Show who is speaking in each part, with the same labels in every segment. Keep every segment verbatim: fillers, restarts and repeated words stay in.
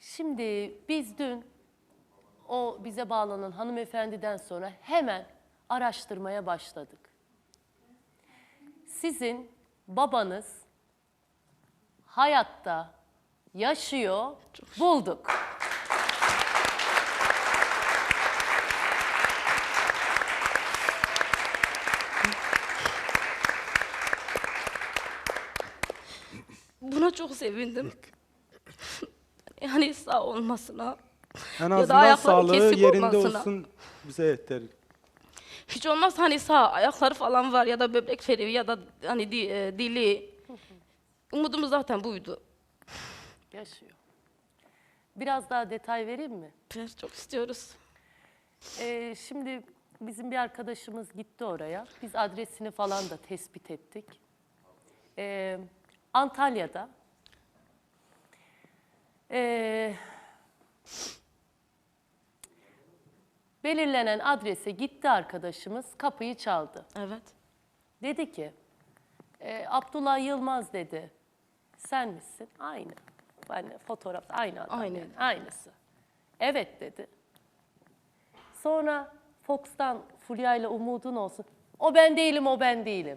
Speaker 1: Şimdi biz dün o bize bağlanan hanımefendiden sonra hemen araştırmaya başladık. Sizin babanız hayatta yaşıyor, bulduk.
Speaker 2: Buna çok sevindim. Yani sağ olmasına.
Speaker 3: En
Speaker 2: Ya da
Speaker 3: azından
Speaker 2: ayakları
Speaker 3: sağlığı
Speaker 2: kesik
Speaker 3: yerinde
Speaker 2: olmasına.
Speaker 3: olsun bize yeter.
Speaker 2: Hiç olmaz hani sağ ayakları falan var ya da böbrek feriği ya da hani di- e, dili. Umudumuz zaten buydu.
Speaker 1: Yaşıyor. Biraz daha detay vereyim mi?
Speaker 2: Biz çok istiyoruz.
Speaker 1: Ee, şimdi bizim bir arkadaşımız gitti oraya. Biz adresini falan da tespit ettik. Ee, Antalya'da ee, belirlenen adrese gitti arkadaşımız, kapıyı çaldı.
Speaker 2: Evet.
Speaker 1: Dedi ki, e, Abdullah Yılmaz dedi, sen misin? Aynı. Yani fotoğraf aynı adam.
Speaker 2: Aynı.
Speaker 1: Yani, aynısı. Evet dedi. Sonra Fox'tan Fulya ile umudun olsun. O ben değilim, o ben değilim.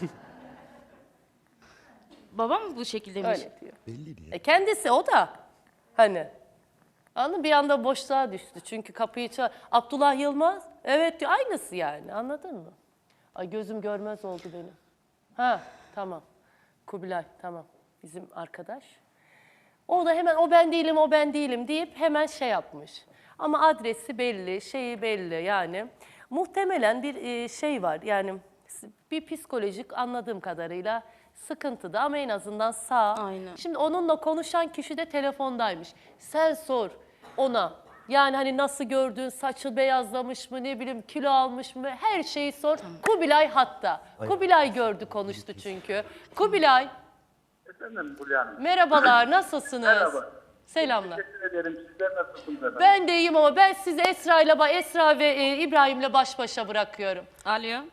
Speaker 2: Babam mı bu şekilde demiş?
Speaker 1: Öyle diyor. Belli diye. E kendisi o da hani. Anladın mı? Bir anda boşluğa düştü. Çünkü kapıyı çal... Abdullah Yılmaz, evet diyor. Aynısı yani. Anladın mı? Ay gözüm görmez oldu benim. Ha tamam. Kubilay tamam. Bizim arkadaş. O da hemen o ben değilim, o ben değilim deyip hemen şey yapmış. Ama adresi belli, şeyi belli yani. Muhtemelen bir e, şey var yani bir psikolojik anladığım kadarıyla sıkıntıda ama en azından sağ.
Speaker 2: Aynen.
Speaker 1: Şimdi onunla konuşan kişi de telefondaymış. Sen sor ona. Yani hani nasıl gördün, saçı beyazlamış mı, ne bileyim kilo almış mı, her şeyi sor. Kubilay hatta. Kubilay gördü, konuştu çünkü. Kubilay,
Speaker 4: Efendim Fulya Hanım.
Speaker 1: merhabalar, nasılsınız?
Speaker 4: Merhaba.
Speaker 1: Selamlar.
Speaker 4: Teşekkür ederim. Sizler nasılsınız efendim?
Speaker 1: Ben de iyiyim ama ben sizi Esra ile ba- Esra ve e, İbrahim'le baş başa bırakıyorum.
Speaker 2: Alo.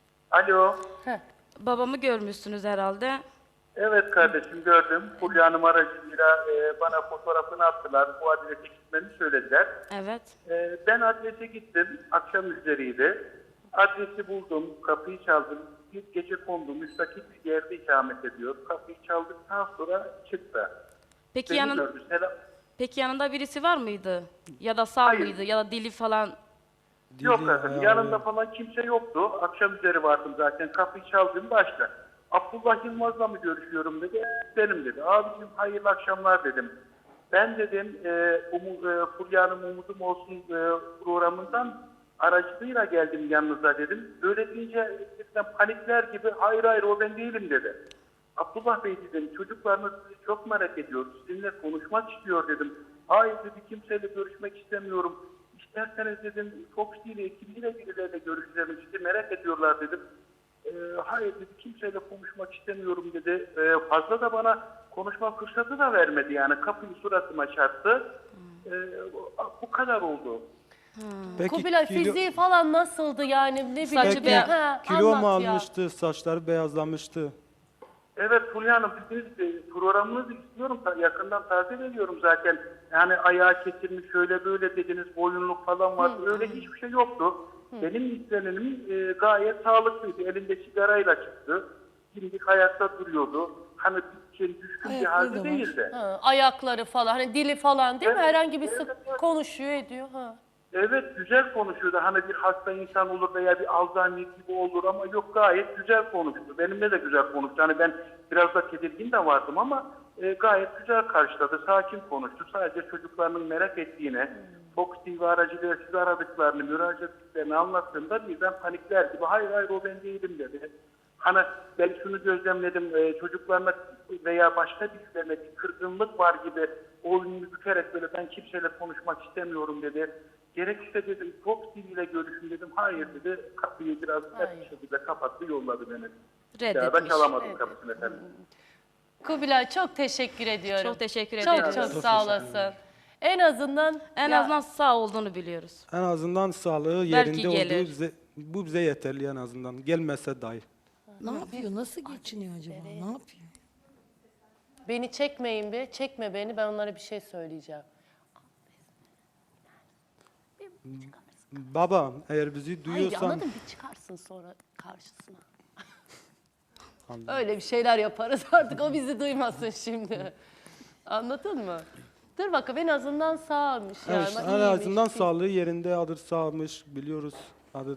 Speaker 4: Alo.
Speaker 1: Heh.
Speaker 2: Babamı görmüşsünüz herhalde.
Speaker 4: Evet kardeşim gördüm. Fulya Hanım aracıyla e, bana fotoğrafını attılar. Bu adrese gitmemi söylediler.
Speaker 2: Evet.
Speaker 4: E, ben adrese gittim. Akşam üzeriydi. Adresi buldum. Kapıyı çaldım. Bir gece kondu. Müstakil bir yerde ikamet ediyor. Kapıyı çaldıktan sonra çıktı.
Speaker 2: Peki
Speaker 4: Beni
Speaker 2: yanın
Speaker 4: gördü. Selam.
Speaker 2: Peki yanında birisi var mıydı? Ya da sağ
Speaker 4: Hayır.
Speaker 2: mıydı ya da dili falan?
Speaker 4: Yok
Speaker 3: Dili,
Speaker 4: efendim.
Speaker 3: ayağı-
Speaker 4: Yanımda falan kimse yoktu. Akşam üzeri vardım zaten. Kapıyı çaldım başta. Abdullah Yılmaz'la mı görüşüyorum dedi. "Evet, benim dedi. Abicim hayırlı akşamlar dedim. Ben dedim e, umu, e, Fulya Hanım Umudum Olsun e, programından aracılığıyla geldim yanınıza dedim. Böyle deyince dedim, panikler gibi hayır hayır o ben değilim dedi. Abdullah Bey dedim çocuklarınız sizi çok merak ediyor. Sizinle konuşmak istiyor dedim. Hayır dedi kimseyle görüşmek istemiyorum. İsterseniz dedim Fox T V ekibiyle birileriyle görüşeceğim. Sizi merak ediyorlar dedim. Ee, hayır dedi kimseyle konuşmak istemiyorum dedi. Ee, fazla da bana konuşma fırsatı da vermedi yani. Kapıyı suratıma çarptı. Ee, bu kadar oldu.
Speaker 3: Peki
Speaker 1: Kubilay
Speaker 3: kilo,
Speaker 1: fiziği falan nasıldı yani ne bileyim.
Speaker 2: Saçı
Speaker 3: peki,
Speaker 2: beyaz-
Speaker 1: Ha,
Speaker 3: kilo mu
Speaker 1: anlat ya.
Speaker 3: almıştı, saçları beyazlamıştı?
Speaker 4: Evet Fulya Hanım dediğiniz gibi programınızı istiyorum. Ta- Yakından takip ediyorum zaten. Yani ayağı kesilmiş şöyle böyle dediniz boyunluk falan vardı. Öyle hiçbir şey yoktu. Benim izlenimim e, gayet sağlıklıydı. Elinde sigarayla çıktı. Dimdik hayatta duruyordu. Hani bir şey düşkün bir halde değildi.
Speaker 1: Ha, ayakları falan hani dili falan değil mi?
Speaker 4: Evet,
Speaker 1: Herhangi bir
Speaker 4: evet,
Speaker 1: sık
Speaker 4: evet.
Speaker 1: konuşuyor ediyor. Ha.
Speaker 4: Evet güzel konuşuyordu. Hani bir hasta insan olur veya bir Alzheimer gibi olur ama yok gayet güzel konuştu. Benimle de güzel konuştu. Hani ben biraz da tedirgin de vardım ama e, gayet güzel karşıladı. Sakin konuştu. Sadece çocuklarının merak ettiğini, Fox T V aracılığıyla sizi aradıklarını, müracaat ettiklerini anlattığımda birden panikler gibi hayır hayır o ben değilim dedi. Hani ben şunu gözlemledim e, çocuklarına veya başka birilerine bir kırgınlık var gibi oyununu bükerek böyle ben kimseyle konuşmak istemiyorum dedi. Gerekirse dedim Fox T V ile görüşün dedim. Hayır dedi. Kapıyı biraz sert bir şekilde kapattı yolladı beni. Ya da
Speaker 2: Reddetmiş.
Speaker 4: çalamadım
Speaker 1: Evet.
Speaker 4: kapısını efendim.
Speaker 1: Kubilay çok teşekkür ediyorum.
Speaker 2: Çok teşekkür
Speaker 1: Çok
Speaker 2: ederim.
Speaker 1: çok
Speaker 3: Çok
Speaker 1: sağ
Speaker 3: teşekkür
Speaker 1: olasın. En azından
Speaker 2: En
Speaker 1: ya,
Speaker 2: azından sağ olduğunu biliyoruz.
Speaker 3: En azından sağlığı yerinde
Speaker 2: gelir.
Speaker 3: olduğu bize, bu bize yeterli en azından. Gelmese dahi.
Speaker 5: Ne yapıyor? Nasıl geçiniyor acaba? Ne yapıyor?
Speaker 1: beni çekmeyin be, çekme beni, ben onlara bir şey söyleyeceğim.
Speaker 3: Baba eğer bizi
Speaker 1: Hayır
Speaker 3: duyuyorsan
Speaker 1: anladın bir çıkarsın sonra karşısına. Öyle bir şeyler yaparız artık o bizi duymasın şimdi. Anladın mı? Dur bakalım en azından sağmış yani.
Speaker 3: evet, en
Speaker 1: iyiymiş.
Speaker 3: azından sağlığı yerinde, adı sağmış biliyoruz. Adı.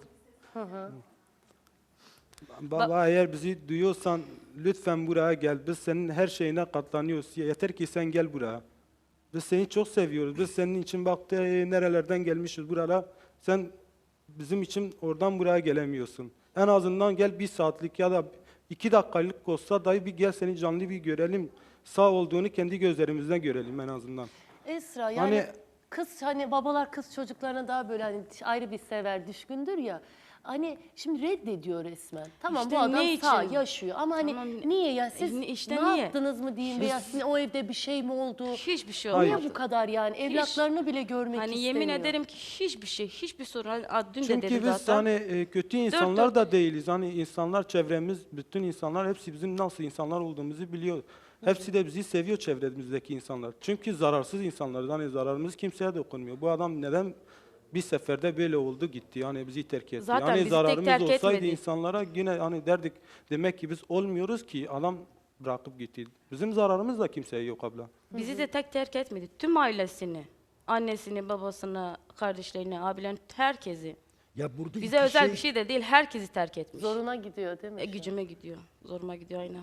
Speaker 3: Baba eğer bizi duyuyorsan lütfen buraya gel. Biz senin her şeyine katlanıyoruz. Yeter ki sen gel buraya. Biz seni çok seviyoruz. Biz senin için bak de, nerelerden gelmişiz buralara. Sen bizim için oradan buraya gelemiyorsun. En azından gel bir saatlik ya da iki dakikalık olsa dahi bir gel seni canlı bir görelim. Sağ olduğunu kendi gözlerimizden görelim en azından.
Speaker 1: Esra yani
Speaker 3: Hani-
Speaker 1: kız hani babalar kız çocuklarına daha böyle hani ayrı bir sever, düşkündür ya. Hani şimdi reddediyor resmen. Tamam
Speaker 2: İşte
Speaker 1: bu adam
Speaker 2: ne
Speaker 1: sağ
Speaker 2: için?
Speaker 1: yaşıyor ama hani
Speaker 2: Tamam,
Speaker 1: niye ya siz
Speaker 2: e, işte
Speaker 1: ne
Speaker 2: niye?
Speaker 1: yaptınız mı diyeyim veya sizin o evde bir şey mi oldu?
Speaker 2: Hiçbir şey
Speaker 3: Hayır.
Speaker 2: olmadı.
Speaker 1: Niye bu kadar yani evlatlarını bile görmek
Speaker 2: Hani
Speaker 1: istemiyor?
Speaker 2: yemin ederim ki hiçbir şey, hiçbir sorun. Hani, a, dün de
Speaker 3: Çünkü
Speaker 2: dedim
Speaker 3: biz
Speaker 2: zaten.
Speaker 3: hani e, kötü insanlar
Speaker 2: dört-
Speaker 3: da değiliz. Hani insanlar çevremiz, bütün insanlar hepsi bizim nasıl insanlar olduğumuzu biliyor. Hepsi de bizi seviyor çevremizdeki insanlar. Çünkü zararsız insanlarız. Hani zararımız kimseye dokunmuyor. Bu adam neden bir seferde böyle oldu gitti. Yani bizi terk etti.
Speaker 2: Zaten
Speaker 3: hani
Speaker 2: bizi tek
Speaker 3: zararımız
Speaker 2: terk
Speaker 3: olsaydı
Speaker 2: etmedi.
Speaker 3: insanlara yine hani derdik demek ki biz olmuyoruz ki adam bırakıp gitti. Bizim zararımız da kimseye yok abla.
Speaker 2: Bizi de tek terk etmedi. Tüm ailesini, annesini, babasını, kardeşlerini, abilerini, herkesi.
Speaker 6: Ya burada
Speaker 2: Bize
Speaker 6: iki
Speaker 2: özel
Speaker 6: şey,
Speaker 2: bir şey de değil, herkesi terk etmiş.
Speaker 1: Zoruna gidiyor değil mi?
Speaker 2: E, gücüme gidiyor, zoruma gidiyor aynen.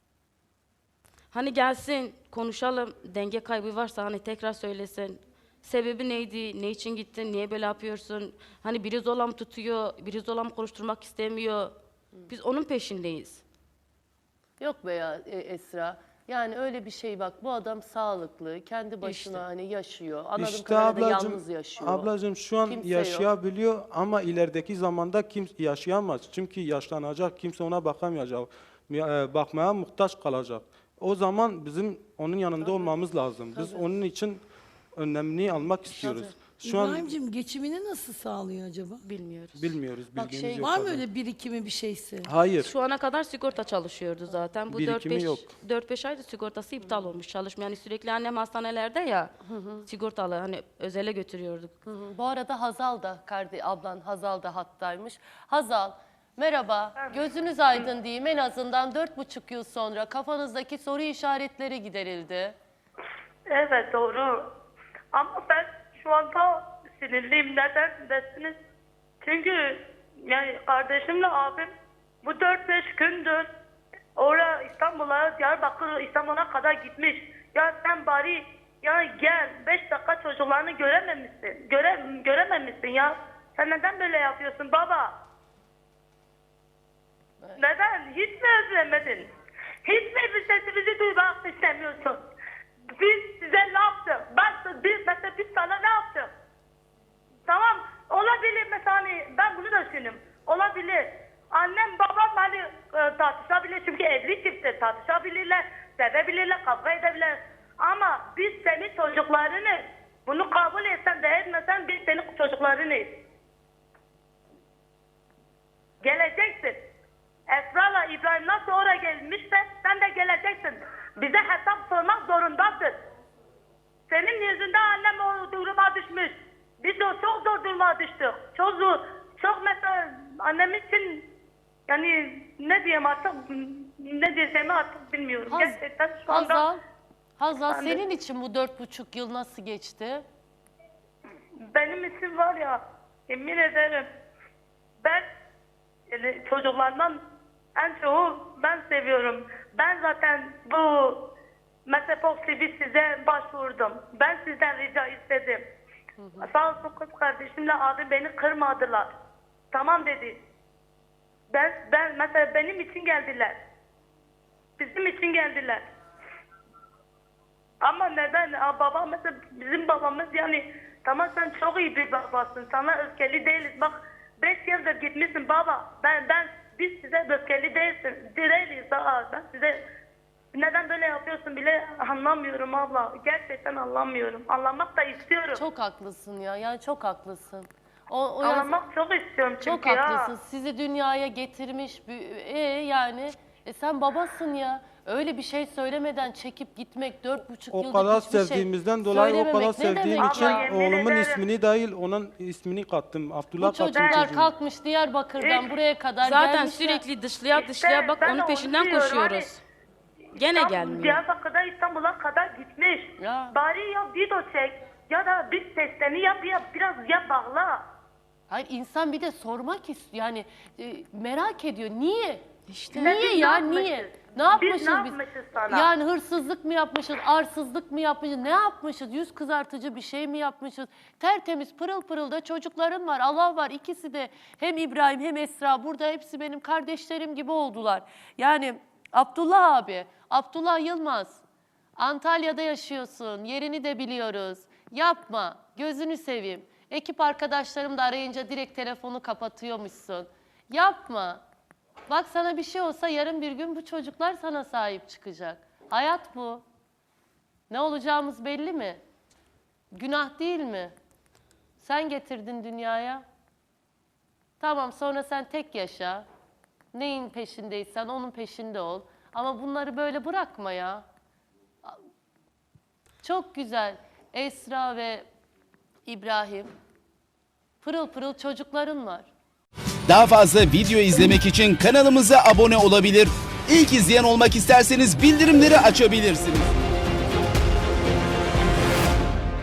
Speaker 2: Hani gelsin, konuşalım, denge kaybı varsa hani tekrar söylesin. Sebebi neydi, ne için gittin, niye böyle yapıyorsun? Hani biri zorla mı tutuyor, biri zorla mı konuşturmak istemiyor. Biz onun peşindeyiz.
Speaker 1: Yok be ya e, Esra. Yani öyle bir şey bak bu adam sağlıklı, kendi başına
Speaker 2: İşte.
Speaker 1: hani yaşıyor. Anladığım
Speaker 3: İşte
Speaker 1: kadarıyla
Speaker 3: ablacığım,
Speaker 1: yalnız yaşıyor.
Speaker 3: ablacığım şu an
Speaker 1: Kimse yok.
Speaker 3: yaşayabiliyor ama ilerideki zamanda kim yaşayamaz. Çünkü yaşlanacak, kimse ona bakamayacak. e, Bakmaya muhtaç kalacak. O zaman bizim onun yanında olmamız lazım. Biz onun için önlemini almak istiyoruz. Şu an
Speaker 5: İbrahim'cim geçimini nasıl sağlıyor acaba?
Speaker 2: Bilmiyoruz.
Speaker 3: bilmiyoruz,
Speaker 1: Bak
Speaker 3: bilgimiz
Speaker 1: şey-
Speaker 3: yok.
Speaker 5: Var mı
Speaker 3: abla.
Speaker 5: öyle birikimi bir şeysi?
Speaker 3: Hayır.
Speaker 2: Şu ana kadar sigorta çalışıyordu zaten. Bu
Speaker 3: Birikimi yok.
Speaker 2: dört beş aydır sigortası iptal olmuş çalışmıyor. Yani sürekli annem hastanelerde ya sigortalı hani özele götürüyorduk.
Speaker 1: Hı hı. Bu arada Hazal da kardeş ablan Hazal da hattaymış. Hazal merhaba. Gözünüz aydın diyeyim en azından dört buçuk yıl sonra kafanızdaki soru işaretleri giderildi.
Speaker 7: Evet doğru. Ama ben şu anda sinirliyim. Neden desiniz? Çünkü yani kardeşimle abim bu dört beş gündür oraya İstanbul'a, Diyarbakır İstanbul'a kadar gitmiş. Ya sen bari ya gel beş dakika çocuklarını görememişsin. Göre, görememişsin ya. Sen neden böyle yapıyorsun baba? Neden? Hiç mi özlemedin? Hiç mi bir sesimizi duymak istemiyorsun? Biz size ne yaptık? Ben, biz, mesela biz sana ne yaptık? Tamam olabilir mesela hani ben bunu da düşünüyorum. Olabilir. Annem babam hani e, tartışabilir çünkü evli çifttir. Tartışabilirler, sevebilirler, kavga edebilirler. Ama biz senin çocuklarını bunu kabul etsen de etmesen biz senin çocuklarınız. Geleceksin. Esra'la İbrahim nasıl oraya gelmişse sen de geleceksin. Bize hesap sormak zorundasın. Senin yüzünden annem o duruma düşmüş. Biz de çok zor duruma düştük. Çok zor. Çok mesela annem için yani ne diyeyim artık ne diyeceğimi artık bilmiyorum.
Speaker 1: Haz-
Speaker 7: Gerçekten şu anda
Speaker 1: Hazal, Hazal
Speaker 7: Ben de-
Speaker 1: senin için bu dört buçuk yıl nasıl geçti?
Speaker 7: benim için var ya yemin ederim ben yani çocuklardan en çoğu ben seviyorum. Ben zaten bu Mesepox T V size başvurdum. Ben sizden rica istedim. Sağ olsun kız kardeşimle abi beni kırmadılar. Tamam dedi. Ben, ben mesela benim için geldiler. Bizim için geldiler. Ama neden? Aa, baba mesela bizim babamız yani tamam sen çok iyi bir babasın. Sana öfkeli değiliz. Bak beş yıldır gitmişsin baba. Ben ben biz size öfkeli değilsin. Değiliz. Aa, ben size neden böyle yapıyorsun bile anlamıyorum abla. Gerçekten anlamıyorum. Anlamak da istiyorum.
Speaker 1: Çok haklısın ya. Yani çok haklısın. O, o yaz-
Speaker 7: Anlamak çok istiyorum çünkü
Speaker 1: çok
Speaker 7: ya.
Speaker 1: haklısın. Sizi dünyaya getirmiş. bir- E yani e sen babasın ya. Öyle bir şey söylemeden çekip gitmek dört buçuk
Speaker 3: O
Speaker 1: yıllık
Speaker 3: kadar
Speaker 1: hiçbir şey
Speaker 3: sevdiğimizden dolayı o kadar
Speaker 1: söylememek ne
Speaker 3: sevdiğim
Speaker 1: demek
Speaker 3: için
Speaker 1: ya?
Speaker 7: Yemin
Speaker 3: oğlumun
Speaker 7: ederim.
Speaker 3: ismini değil onun ismini kattım. Abdullah
Speaker 1: Bu
Speaker 3: kattım
Speaker 1: çocuklar
Speaker 3: çocuğu.
Speaker 1: kalkmış Diyarbakır'dan
Speaker 7: Evet.
Speaker 1: buraya kadar
Speaker 2: Zaten
Speaker 1: gelmişler.
Speaker 2: sürekli dışlıya
Speaker 7: İşte
Speaker 2: dışlıya bak
Speaker 7: ben
Speaker 2: onun
Speaker 7: onu
Speaker 2: peşinden
Speaker 7: diyorum,
Speaker 2: koşuyoruz. Gene
Speaker 7: İstanbul,
Speaker 2: gelmiyor.
Speaker 7: Diyarbakır'da İstanbul'a kadar gitmiş.
Speaker 1: Ya.
Speaker 7: Bari ya video çek ya da bir seslerini yap ya biraz ya bağla.
Speaker 1: Hayır insan bir de sormak istiyor. Yani e, merak ediyor. Niye?
Speaker 2: İşte.
Speaker 1: Niye
Speaker 7: Biz ne
Speaker 1: ya
Speaker 7: yapmışız?
Speaker 1: niye? Ne yapmışız
Speaker 7: Biz ne yapmışız sana?
Speaker 1: Yani hırsızlık mı yapmışız, arsızlık mı yapmışız, ne yapmışız? Yüz kızartıcı bir şey mi yapmışız? Tertemiz pırıl pırıl da çocukların var, Allah var. İkisi de hem İbrahim hem Esra burada hepsi benim kardeşlerim gibi oldular. Yani Abdullah abi, Abdullah Yılmaz, Antalya'da yaşıyorsun, yerini de biliyoruz. Yapma, gözünü seveyim. Ekip arkadaşlarım da arayınca direkt telefonu kapatıyormuşsun. Yapma. Bak sana bir şey olsa yarın bir gün bu çocuklar sana sahip çıkacak. Hayat bu. Ne olacağımız belli mi? Günah değil mi? Sen getirdin dünyaya. Tamam sonra sen tek yaşa. Neyin peşindeysen onun peşinde ol. Ama bunları böyle bırakma ya. Çok güzel. Esra ve İbrahim. Pırıl pırıl çocukların var.
Speaker 6: Daha fazla video izlemek için kanalımıza abone olabilir. İlk izleyen olmak isterseniz bildirimleri açabilirsiniz.